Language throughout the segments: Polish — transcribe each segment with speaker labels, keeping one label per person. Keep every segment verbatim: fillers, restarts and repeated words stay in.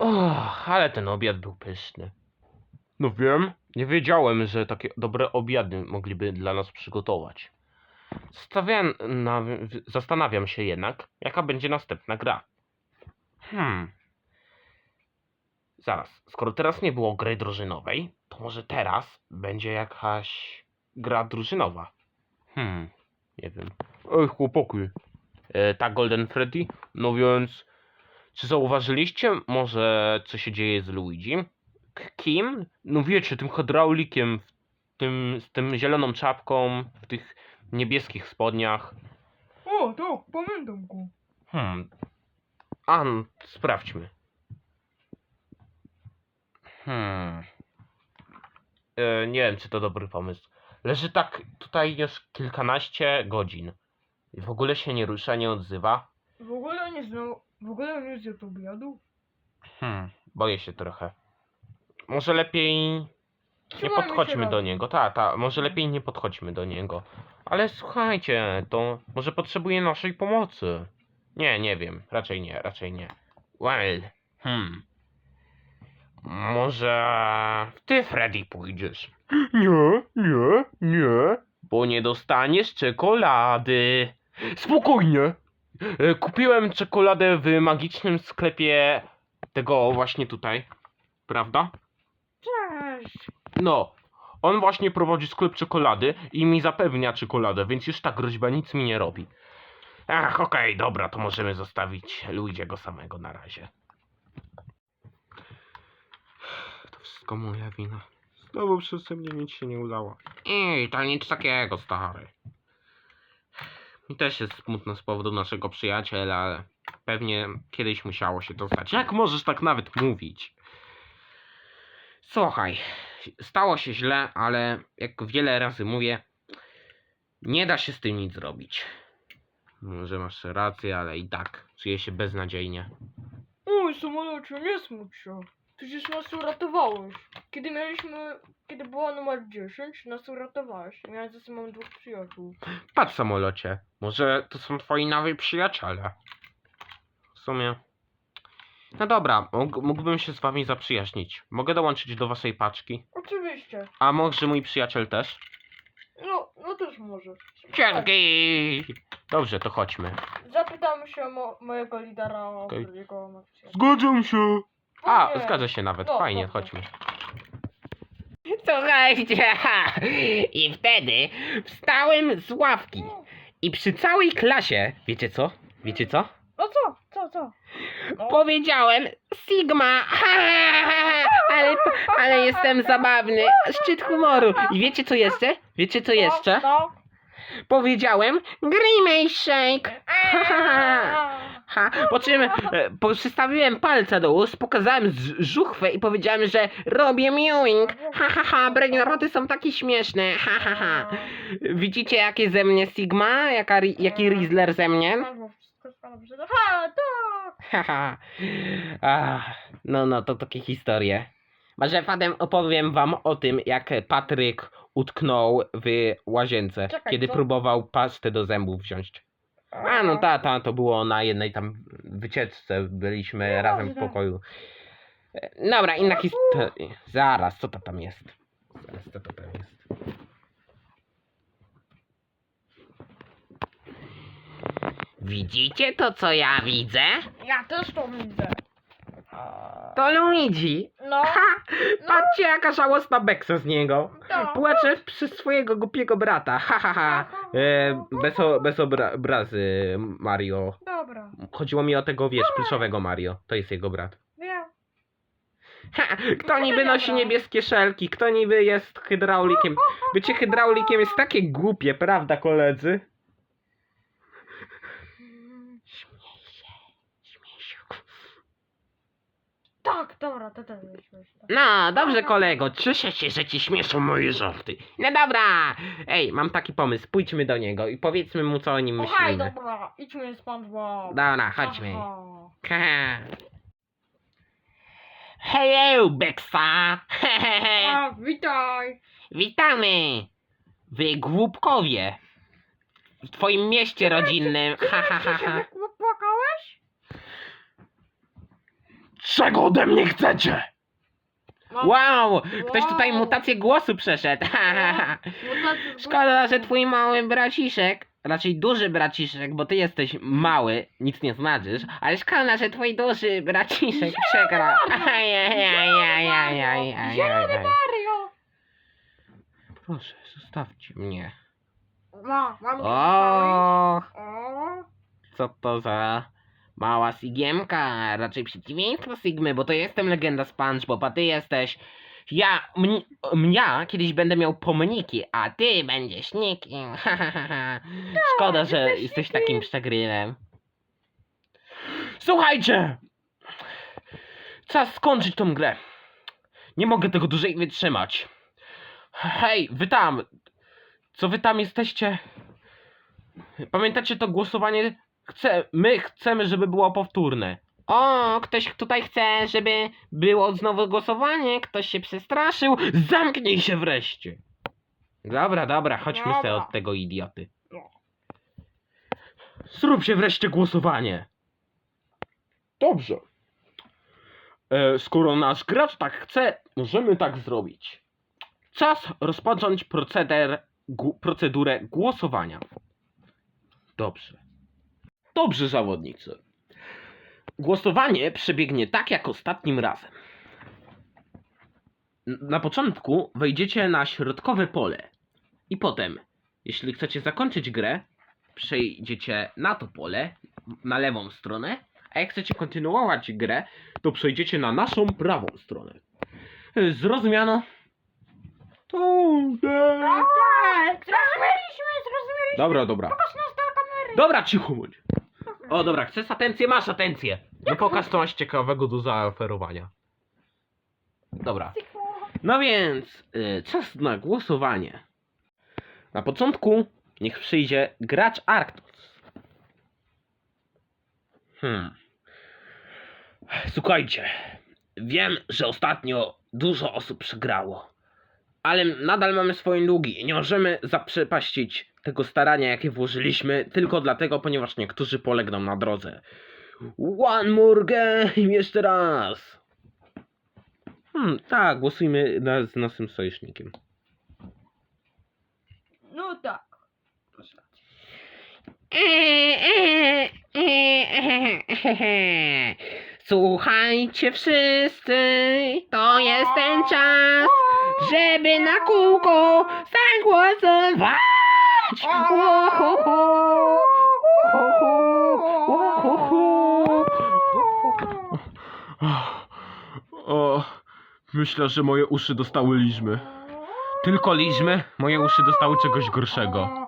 Speaker 1: Och, ale ten obiad był pyszny. No wiem, nie wiedziałem, że takie dobre obiady mogliby dla nas przygotować. Stawiam na, zastanawiam się jednak, jaka będzie następna gra. Hmm. Zaraz, skoro teraz nie było gry drużynowej, to może teraz będzie jakaś gra drużynowa. Hmm, nie wiem. Ej, chłopaki. E, tak, Golden Freddy? No więc, czy zauważyliście może, co się dzieje z Luigi? K kim? No wiecie, tym hydraulikiem, w tym, z tym zieloną czapką, w tych niebieskich spodniach.
Speaker 2: O, tak, pamiętam go.
Speaker 1: Hmm. A, no, sprawdźmy. Hmm. E, nie wiem, czy to dobry pomysł. Leży tak tutaj już kilkanaście godzin. I w ogóle się nie rusza, nie odzywa.
Speaker 2: W ogóle nie znał, w ogóle nie zjadł obiadu.
Speaker 1: Hmm, boję się trochę. Może lepiej nie
Speaker 2: Trzymajmy się
Speaker 1: podchodźmy do
Speaker 2: razem.
Speaker 1: niego. Ta, ta, może lepiej nie podchodźmy do niego. Ale słuchajcie, to może potrzebuje naszej pomocy. Nie, nie wiem. Raczej nie, raczej nie. Well, hmm. Może ty, Freddy, pójdziesz? Nie, nie, nie. Bo nie dostaniesz czekolady. Spokojnie. E, Kupiłem czekoladę w magicznym sklepie tego właśnie tutaj. Prawda?
Speaker 2: Cześć.
Speaker 1: No. On właśnie prowadzi sklep czekolady i mi zapewnia czekoladę, więc już ta groźba nic mi nie robi. Ach, okej, dobra, to możemy zostawić Luigiego samego na razie. To wszystko moja wina. Znowu przeze mnie nic się nie udało. Ej, to nic takiego, stary. Mi też jest smutno z powodu naszego przyjaciela, ale pewnie kiedyś musiało się to stać. Jak możesz tak nawet mówić? Słuchaj, stało się źle, ale jak wiele razy mówię, nie da się z tym nic zrobić. Może masz rację, ale i tak czuję się beznadziejnie.
Speaker 2: Oj, samolocie, nie smuć się. Przecież nas uratowałeś. Kiedy mieliśmy, kiedy była numer dziesięć, nas uratowałeś. Ja ze sobą mam dwóch przyjaciół.
Speaker 1: Patrz, samolocie, może to są twoi nowi przyjaciele. W sumie... No dobra, mógł- mógłbym się z wami zaprzyjaźnić. Mogę dołączyć do waszej paczki?
Speaker 2: Oczywiście.
Speaker 1: A może mój przyjaciel też?
Speaker 2: No, no też może.
Speaker 1: Dzięki! Dobrze, to chodźmy.
Speaker 2: Zapytamy się mo mojego lidera o
Speaker 1: Okej.
Speaker 2: jego emocje.
Speaker 1: Zgadzam się. A,
Speaker 2: Nie.
Speaker 1: zgadza się nawet.
Speaker 2: No,
Speaker 1: Fajnie,
Speaker 2: dobrze.
Speaker 1: chodźmy.
Speaker 3: Słuchajcie, ha, i wtedy wstałem z ławki i przy całej klasie, wiecie co? Wiecie co?
Speaker 2: No co? Co, co? No.
Speaker 3: Powiedziałem Sigma, ha, ha, ha, ha, ale, ale jestem zabawny, szczyt humoru. I wiecie co jeszcze? Wiecie co jeszcze?
Speaker 2: No,
Speaker 3: Powiedziałem Grimace Shake, ha, ha, ha. Ha, po czym e, po, przystawiłem palce do ust, pokazałem z- żuchwę i powiedziałem, że robię mewing. Ha ha ha, brainroty są takie śmieszne. Ha ha ha. Widzicie jakie ze mnie Sigma? Jaka, ri- jaki Rizzler ze mnie?
Speaker 2: no. Wszystko jest dobrze. Ha, tak.
Speaker 3: Ha ha. Ach, no no, to takie historie. Może potem opowiem wam o tym, jak Patryk utknął w łazience,
Speaker 2: Czekaj,
Speaker 3: kiedy
Speaker 2: co?
Speaker 3: próbował pastę do zębów wziąć. A no ta, ta, to było na jednej tam wycieczce, byliśmy
Speaker 2: No,
Speaker 3: razem w
Speaker 2: dobrze.
Speaker 3: pokoju. E, Dobra, inna historia. Zaraz, co to tam jest? Zaraz, co to tam jest? Widzicie to, co ja widzę?
Speaker 2: Ja też to widzę.
Speaker 3: To Luigi.
Speaker 2: No,
Speaker 3: Ha! Patrzcie, jaka żałosna beksa z niego.
Speaker 2: to.
Speaker 3: Płacze przy swojego głupiego brata. Ha, ha, ha. E, bez, o, bez obrazy, Mario.
Speaker 2: Dobra,
Speaker 3: Chodziło mi o tego, wiesz, pluszowego Mario. To jest jego brat.
Speaker 2: wiem.
Speaker 3: Ha, kto niby nosi niebieskie szelki? Kto niby jest hydraulikiem? Bycie hydraulikiem jest takie głupie, prawda, koledzy? Śmiej się, śmiej się.
Speaker 2: Tak, dobra, to też jest śmieszne.
Speaker 3: No, dobrze, kolego. Cieszę się, że ci śmieszą moje żarty. No dobra. Ej, mam taki pomysł. Pójdźmy do niego i powiedzmy mu, co o nim
Speaker 2: Słuchaj,
Speaker 3: myślimy.
Speaker 2: dobra, idźmy SpongeBob.
Speaker 3: Dobra, chodźmy.
Speaker 2: Aha.
Speaker 3: Haha. Hello, Beksa.
Speaker 2: A, witaj.
Speaker 3: Witamy. Wy głupkowie. W twoim mieście rodzinnym. Ha, ha, ha, ha.
Speaker 2: Płakałeś?
Speaker 1: Czego ode mnie chcecie?
Speaker 2: Mam
Speaker 3: Wow! Ktoś tutaj
Speaker 2: Wow.
Speaker 3: mutację głosu przeszedł.
Speaker 2: mutację z
Speaker 3: Szkoda, że
Speaker 2: głosu.
Speaker 3: twój mały braciszek, raczej duży braciszek, bo ty jesteś mały, nic nie znaczysz, ale szkoda, że twój duży braciszek przegrał. Ajajajajajajajaj.
Speaker 2: Zielony Mario!
Speaker 3: Proszę, zostawcie mnie.
Speaker 2: Ma, mam
Speaker 3: O,
Speaker 2: O,
Speaker 3: co to za mała Sigiemka? Raczej przeciwieństwo Sigmy, bo to jestem legenda SpongeBob, a ty jesteś... Ja, mni, ja kiedyś będę miał pomniki, a ty będziesz nikim. Szkoda, że
Speaker 2: jesteś
Speaker 3: jesteś
Speaker 2: nikim.
Speaker 3: takim przegrywem. Słuchajcie! Czas skończyć tą grę. Nie mogę tego dłużej wytrzymać. Hej, wy tam! Co wy tam jesteście? Pamiętacie to głosowanie? Chcę, my chcemy, żeby było powtórne. O, ktoś tutaj chce, żeby było znowu głosowanie, ktoś się przestraszył. Zamknij się wreszcie. Dobra, dobra, chodźmy
Speaker 2: Dobra.
Speaker 3: sobie od tego idioty.
Speaker 2: No.
Speaker 1: Zróbcie wreszcie głosowanie. Dobrze. E, skoro nasz gracz tak chce, możemy tak zrobić. Czas rozpocząć proceder, gu, procedurę głosowania. Dobrze. Dobrze, zawodnicy. Głosowanie przebiegnie tak jak ostatnim razem. N- Na początku wejdziecie na środkowe pole i potem, jeśli chcecie zakończyć grę, przejdziecie na to pole, na lewą stronę, a jak chcecie kontynuować grę, to przejdziecie na naszą prawą stronę. Y, Zrozumiano? To...
Speaker 2: tak, zrozumieliśmy, zrozumieliśmy.
Speaker 1: Dobra, dobra.
Speaker 2: Pokaż nas do kamery.
Speaker 1: Dobra, cicho bądź. O, dobra, chcesz atencję? Masz atencję. No pokaż, co masz ciekawego do zaoferowania. Dobra. No więc, y, czas na głosowanie. Na początku niech przyjdzie gracz Arctos. Hmm. Słuchajcie, wiem, że ostatnio dużo osób przegrało, ale nadal mamy swoje długi i nie możemy zaprzepaścić tego starania, jakie włożyliśmy, tylko dlatego, ponieważ niektórzy polegną na drodze. One more game, jeszcze raz. Hmm, tak, głosujmy na, z naszym sojusznikiem.
Speaker 2: No tak.
Speaker 3: Słuchajcie wszyscy, to jest ten czas, żeby na kółko zagłosować. Łohoho, łohoho, łohoho.
Speaker 1: O, myślę, że moje uszy dostały liżmy. Tylko liżmy? Moje uszy dostały czegoś gorszego.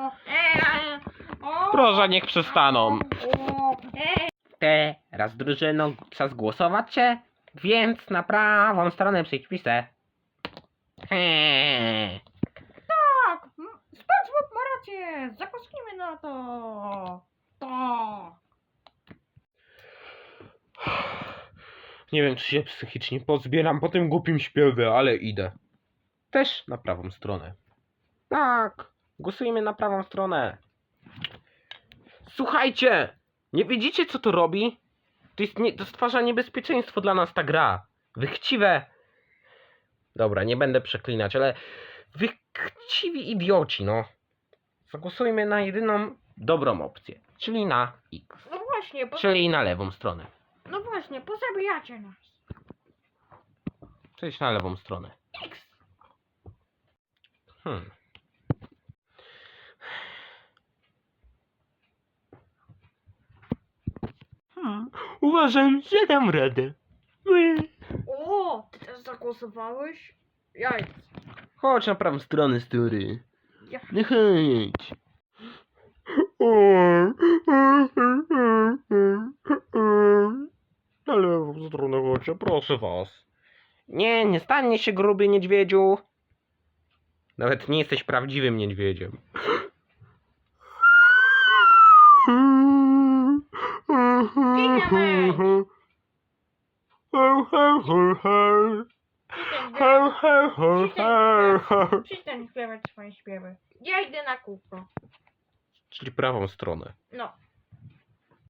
Speaker 1: Proszę, niech przestaną.
Speaker 3: Teraz drużyno, czas głosować się, więc na prawą stronę przycisnę. Heee.
Speaker 2: Tak, m- SpongeBob ma rację. Zagłosujmy na to. Tak.
Speaker 1: Nie wiem, czy się psychicznie pozbieram po tym głupim śpiewie, ale idę. Też na prawą stronę.
Speaker 3: Tak, głosujmy na prawą stronę.
Speaker 1: Słuchajcie! Nie widzicie, co to robi? To, jest nie, to stwarza niebezpieczeństwo dla nas ta gra. Wy chciwe... Dobra, nie będę przeklinać, ale... Wy chciwi idioci, no. Zagłosujmy na jedyną dobrą opcję. Czyli na X.
Speaker 2: No właśnie, po,
Speaker 1: Czyli na lewą stronę.
Speaker 2: no właśnie, pozabijacie nas.
Speaker 1: Przejdź na lewą stronę.
Speaker 2: X.
Speaker 1: Hmm. Hmm. Uważam, że dam radę.
Speaker 2: O, ty też zagłosowałeś? Jaj.
Speaker 1: Chodź na prawą stronę, stary.
Speaker 2: Ja.
Speaker 1: No chodź. Na lewą stronę chodźcie, proszę was.
Speaker 3: Nie, nie stanie się gruby niedźwiedziu.
Speaker 1: Nawet nie jesteś prawdziwym niedźwiedziem.
Speaker 2: Giniemy. Przestań śpiewać swoje śpiewy. Ja idę na kółko.
Speaker 1: Czyli prawą stronę.
Speaker 2: No.